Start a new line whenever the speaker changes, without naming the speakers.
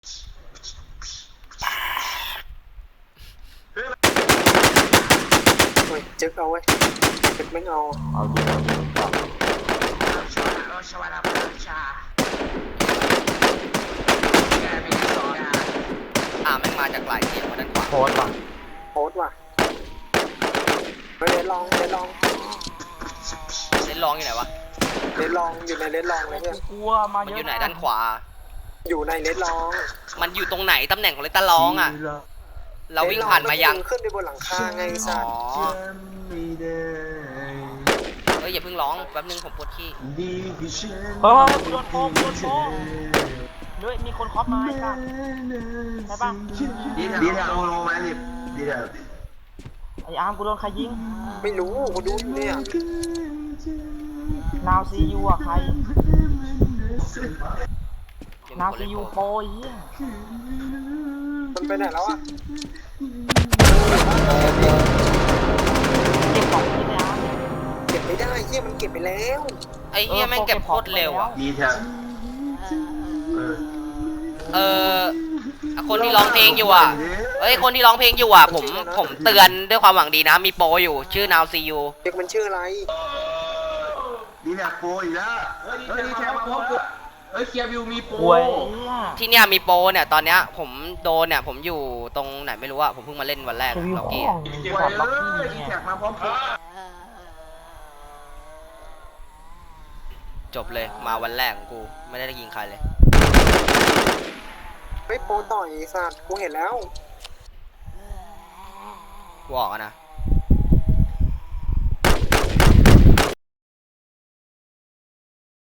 เฮ้ยจึ๊กเอาไว้จึ๊กไม่เอา
เอาดีก่อน
แม่งมาจากหลายเสียงมาด้านขวา
โพสต์ป่ะ
โพสต์ว่ะเฮ้ยเลนลองเลนลอง
เล่นร้องอยู่ไหนวะ
เลนลองอยู่ในเลนลองเลยเนี่ย
กลัวมา
มัน
เยอะ
อยู่ไหนด้านขวา
อยู่ในเลนลอง
มันอยู่ตรงไหนตำแหน่งของเลนตาร้องอ่ะเราวิ่งผ่านมายัง
ขึ้นไปบนหลังคาไงสั
อ๋
ต
อ
ว์
เฮ้ยอย่าเพิ่งร้องแป๊บนึงผมปวดขี้
เฮ้ยโดนโกงเฮ้ยมีคนเคาะไม้กันใช่ป่ะ
ดีแถวโลมาดิดีแถว
ไอ้อาร์มกูโดนใครยิง
ไม่รู้กูดูอยู่เนี่ย
นาวซียูอ่ะใคร
เดี๋ยว
นาว
คน
ซี
เล่น
ยู
โป
โป
ร
รยี่
มันไปไหนแล้วอ่ะ
เก็บของที่ไหนอาร์ม
เก็บไม่ได้เฮียมันเก็บไปแล้ว
ไอ้เหี้ยแม่งเก็บโคตรเร็วอ่ะ
ดีแถว
คนที่ร้องเพลงอยู่อ่ะเฮ้ยคนที่ร้องเพลงอยู่อ่ะผมเตือนด้วยความหวังดีนะมีโปรอยู่ชื่อ Now See You
เด็กมันชื่ออะไร
ดีแถวโปรอีกแล้วเฮ้ยดีแถวมาพบกูเฮ้ยเคียร์วิวมีโปร
ป่วย
ที่เนี่ยมีโปรเนี่ยตอนเนี้ยผมโดนเนี่ยผมอยู่ตรงไหนไม่รู้อ่ะผมเพิ่งมาเล่นวันแรก
รีวิว
ล็อก
ข
กี้
อง
ดี
ขอดล็อกกี้
ดี
เนี่ย
แถวมาพบกู
จบเลยมาวันแรกของกูไม่ได้ยิงใครเลย
เฮ้ยโปรต่อยสัตว์กูเห็นแล้ว
กูออกอะนะ